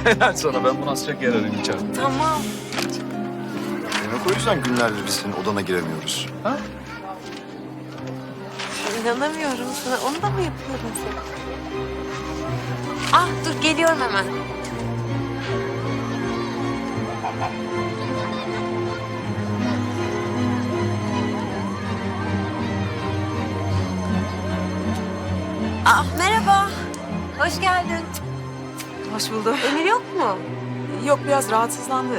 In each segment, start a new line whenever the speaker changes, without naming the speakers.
Helal sana, ben bunu asacak yer arayayım içeride.
Tamam.
Demek o yüzden günlerdir biz senin odana giremiyoruz.
Ha?
İnanamıyorum sana. Onu da mı yapıyordun sen? Ah dur geliyorum hemen. Ah merhaba. Hoş geldin.
Hoş buldum.
Emir yok mu?
Yok, biraz rahatsızlandı.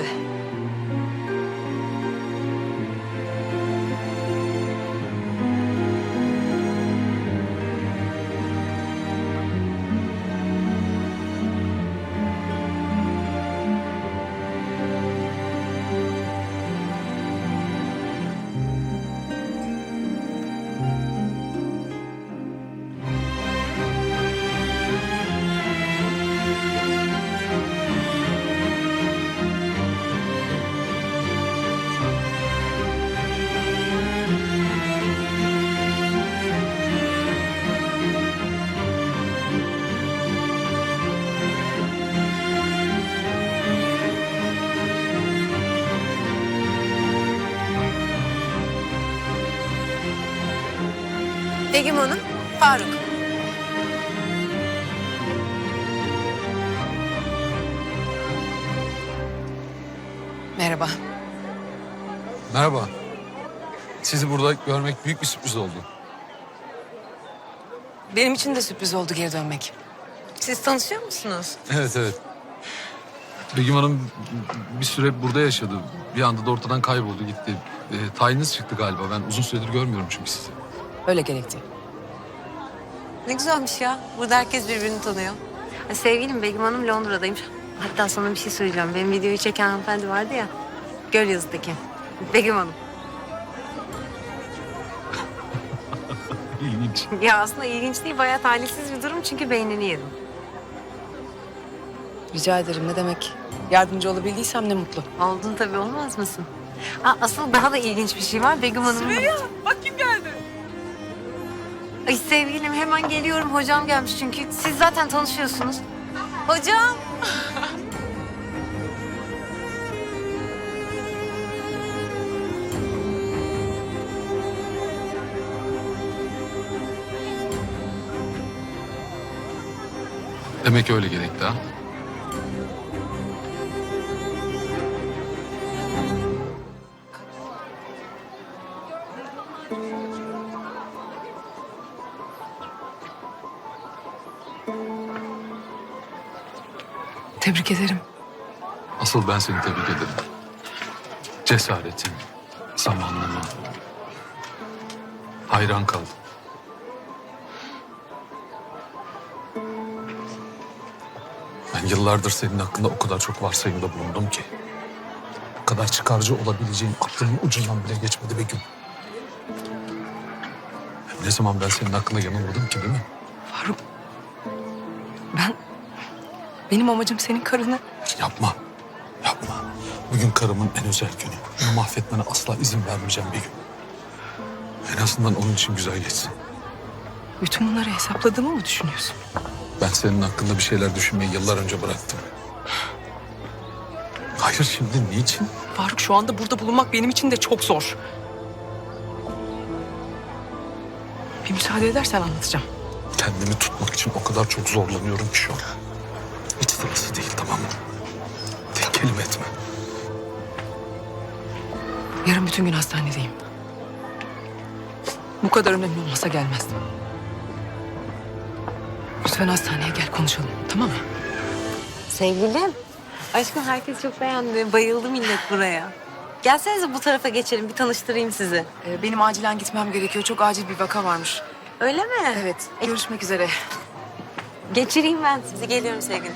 Begüm Hanım, Faruk.
Merhaba.
Merhaba. Sizi burada görmek büyük bir sürpriz oldu.
Benim için de sürpriz oldu geri dönmek.
Siz tanışıyor musunuz?
Evet, evet. Begüm Hanım bir süre burada yaşadı. Bir anda da ortadan kayboldu gitti. Tayiniz çıktı galiba. Ben uzun süredir görmüyorum çünkü sizi.
Öyle gerekti.
Ne güzelmiş ya. Burada herkes birbirini tanıyor. Sevgilim Begüm Hanım Londra'daymış. Hatta sana bir şey söyleyeceğim. Benim videoyu çeken hanımefendi vardı ya. Gölyazı'daki. Begüm Hanım.
İlginç.
Ya aslında ilginç değil. Bayağı talihsiz bir durum çünkü beynini yedim.
Rica ederim, ne demek. Yardımcı olabildiysem ne mutlu.
Oldun tabii, olmaz mısın? Asıl daha da ilginç bir şey var. Begüm Hanım.
Süreyya, bak kim geldi.
Ay sevgilim hemen geliyorum. Hocam gelmiş çünkü. Siz zaten tanışıyorsunuz. Hocam.
Demek öyle gerekti ha.
Tebrik ederim.
Asıl ben seni tebrik ederim. Cesaretin, zamanlama. Hayran kaldım. Ben yıllardır senin hakkında o kadar çok varsayımda bulundum ki. O kadar çıkarcı olabileceğin aklımın ucundan bile geçmedi Begüm. Ne zaman ben senin hakkında yanılmadım ki, değil mi?
Faruk, benim amacım senin karını...
Yapma, yapma. Bugün karımın en özel günü. Bunu mahvetmene asla izin vermeyeceğim Begüm. En azından onun için güzel geçsin.
Bütün bunları hesapladığımı mı düşünüyorsun?
Ben senin hakkında bir şeyler düşünmeyi yıllar önce bıraktım. Hayır, şimdi niçin?
Faruk, şu anda burada bulunmak benim için de çok zor. Bir müsaade edersen anlatacağım.
Kendimi tutmak için o kadar çok zorlanıyorum ki şu an. Hiç sırası değil, tamam mı? Tek kelime etme.
Yarın bütün gün hastanedeyim. Bu kadar önemli olmasa gelmezdim. Lütfen hastaneye gel, konuşalım, tamam mı?
Sevgilim. Aşkım herkes çok beğendi. Bayıldı millet buraya. Gelsenize bu tarafa geçelim. Bir tanıştırayım sizi.
Benim acilen gitmem gerekiyor. Çok acil bir vaka varmış.
Öyle mi?
Evet, görüşmek üzere.
Geçireyim ben sizi. Geliyorum sevgilim.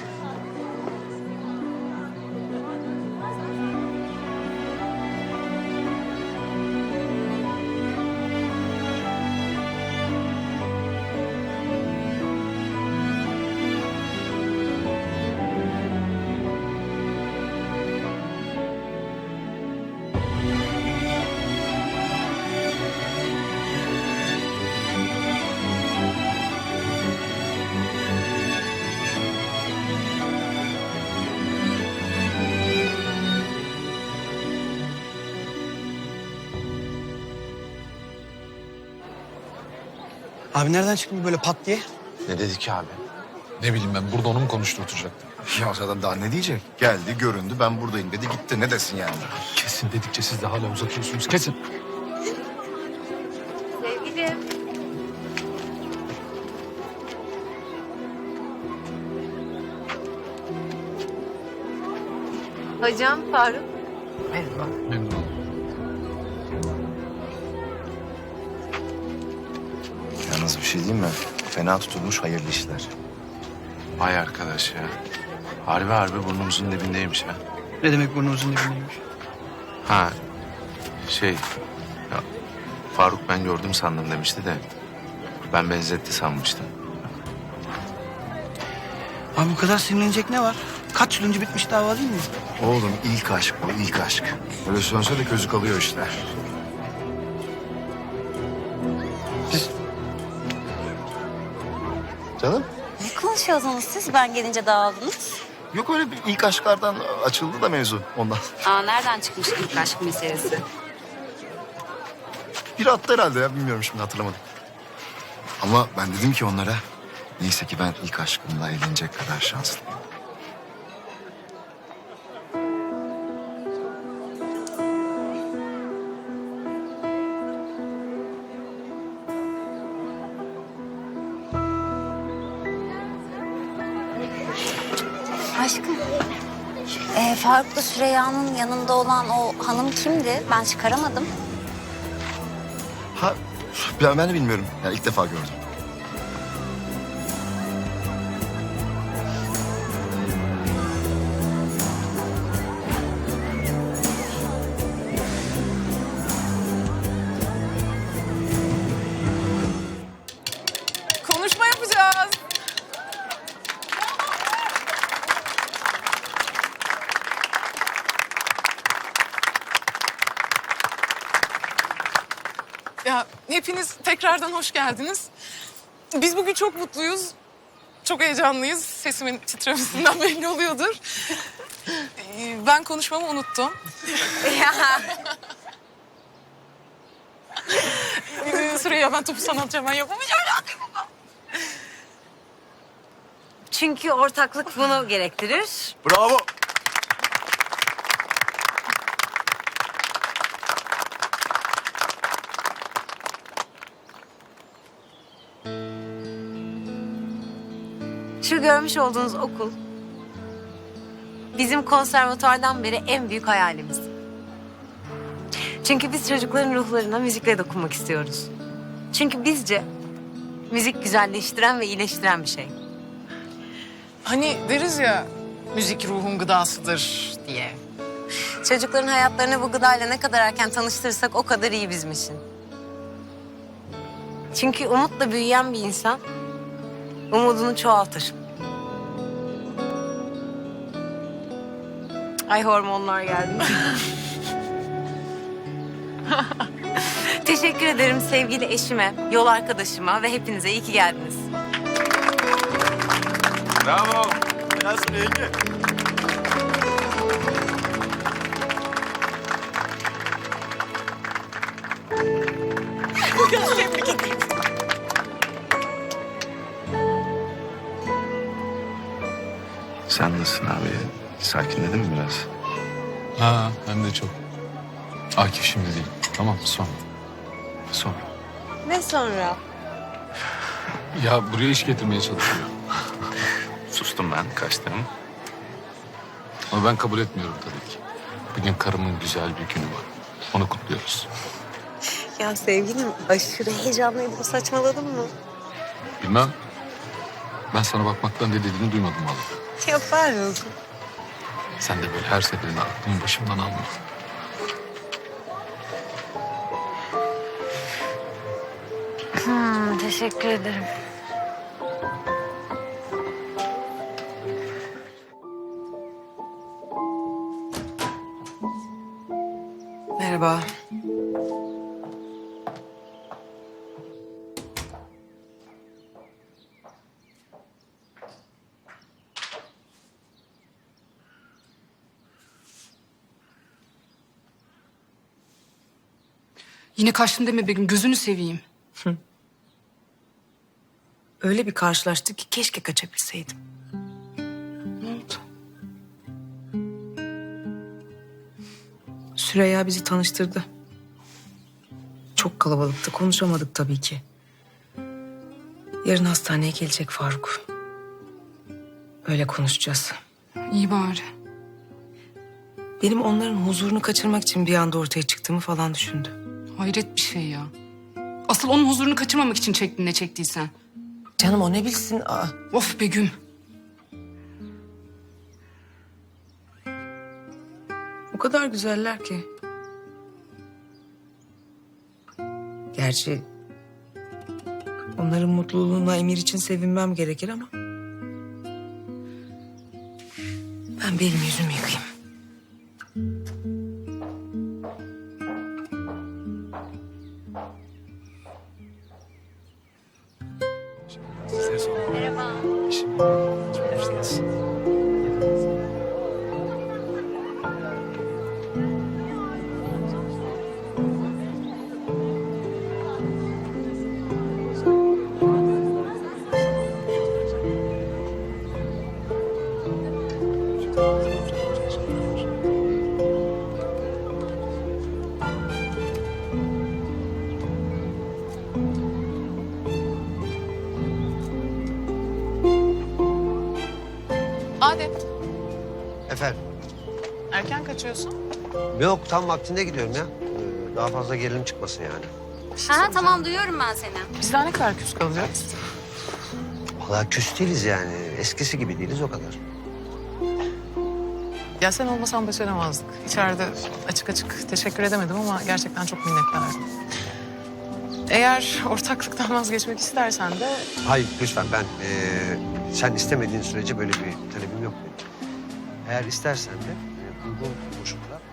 Abi nereden çıktı bu böyle pat diye?
Ne dedi ki abi?
Ne bileyim ben burada onu mu konuşturtacaktım?
Ya adam daha ne diyecek? Geldi, göründü, ben buradayım dedi, gitti. Ne desin yani?
Kesin dedikçe siz de hala uzatıyorsunuz. Kesin.
Sevgilim. Hocam Faruk.
Memnun oldum.
Yalnız bir şey diyeyim mi? Fena tutulmuş hayırlı işler.
Vay arkadaş ya. Harbi harbi burnumuzun dibindeymiş ha.
Ne demek burnumuzun dibindeymiş?
Ha şey ya, Faruk ben gördüm sandım demişti de ben benzetti sanmıştım.
Abi bu kadar sinirlenecek ne var? Kaç yıl önce bitmiş dava değil mi?
Oğlum ilk aşk bu, ilk aşk. Öyle sönse de közü kalıyor işte. Canım?
Ne konuşuyordunuz siz? Ben gelince dağıldınız.
Yok öyle bir ilk aşklardan açıldı da mevzu ondan.
Aa, nereden çıkmış ilk aşk meselesi?
Biri attı herhalde ya, bilmiyorum şimdi, hatırlamadım. Ama ben dedim ki onlara, neyse ki ben ilk aşkımla evlenecek kadar şanslıyım.
Aşkım, Faruk'la Süreyya'nın yanında olan o hanım kimdi? Ben çıkaramadım.
Ha, ben de bilmiyorum. Yani ilk defa gördüm.
Konuşma yapacağız. Ya hepiniz tekrardan hoş geldiniz. Biz bugün çok mutluyuz. Çok heyecanlıyız. Sesimin titremesinden belli oluyordur. Ben konuşmamı unuttum. Süreyya ben topu sana atacağım. Ben yapamayacağım.
Çünkü ortaklık bunu gerektirir.
Bravo.
Şu görmüş olduğunuz okul bizim konservatuardan beri en büyük hayalimiz. Çünkü biz çocukların ruhlarına müzikle dokunmak istiyoruz. Çünkü bizce müzik güzelleştiren ve iyileştiren bir şey.
Hani deriz ya müzik ruhun gıdasıdır diye.
Çocukların hayatlarını bu gıdayla ne kadar erken tanıştırırsak o kadar iyi bizim için. Çünkü umutla büyüyen bir insan umudunu çoğaltır. Ay hormonlar geldi. Teşekkür ederim sevgili eşime, yol arkadaşıma ve hepinize iyi ki geldiniz.
Bravo.
Nasıl Ege?
Sen nasılsın abi? Sakinledin mi biraz?
Ha hem de çok. Akif şimdi değil. Tamam sonra.
Sonra.
Ne sonra?
Ya buraya iş getirmeye çalışıyor.
Sustum ben kaçtım.
Ama ben kabul etmiyorum tabii ki. Bugün karımın güzel bir günü var. Onu kutluyoruz.
Ya sevgilim aşırı heyecanlıydım. Saçmaladın mı?
Bilmem. Ben sana bakmaktan ne dediğini duymadım vallahi.
Yapar mısın?
Sen de böyle her seferinde aklımın başımdan alma.
Teşekkür ederim.
Merhaba.
Yine kaçtın deme Begüm gözünü seveyim.
Öyle bir karşılaştık ki keşke kaçabilseydim.
Ne oldu?
Süreyya bizi tanıştırdı. Çok kalabalıktı, konuşamadık tabii ki. Yarın hastaneye gelecek Faruk. Öyle konuşacağız.
İyi bari.
Benim onların huzurunu kaçırmak için bir anda ortaya çıktığımı falan düşündü.
Hayret bir şey ya. Asıl onun huzurunu kaçırmamak için çektin ne çektiysen.
Canım o ne bilsin? Aa,
Of Begüm.
o kadar güzeller ki. Gerçi onların mutluluğuna Emir için sevinmem gerekir ama... Ben benim yüzümü yıkayayım.
Adem,
Efendim?
erken kaçıyorsun.
Yok tam vaktinde gidiyorum ya. Daha fazla gerilim çıkmasın yani.
Ha tamam duyuyorum ben seni.
Biz daha ne kadar küs kalacağız?
Vallahi küs değiliz yani. Eskisi gibi değiliz o kadar.
Ya sen olmasan başaramazdık. İçeride açık açık teşekkür edemedim ama gerçekten çok minnettarım. Eğer ortaklıktan vazgeçmek istersen de
Hayır lütfen ben sen istemediğin sürece böyle bir talebim yok benim. Eğer istersen de uygun koşullar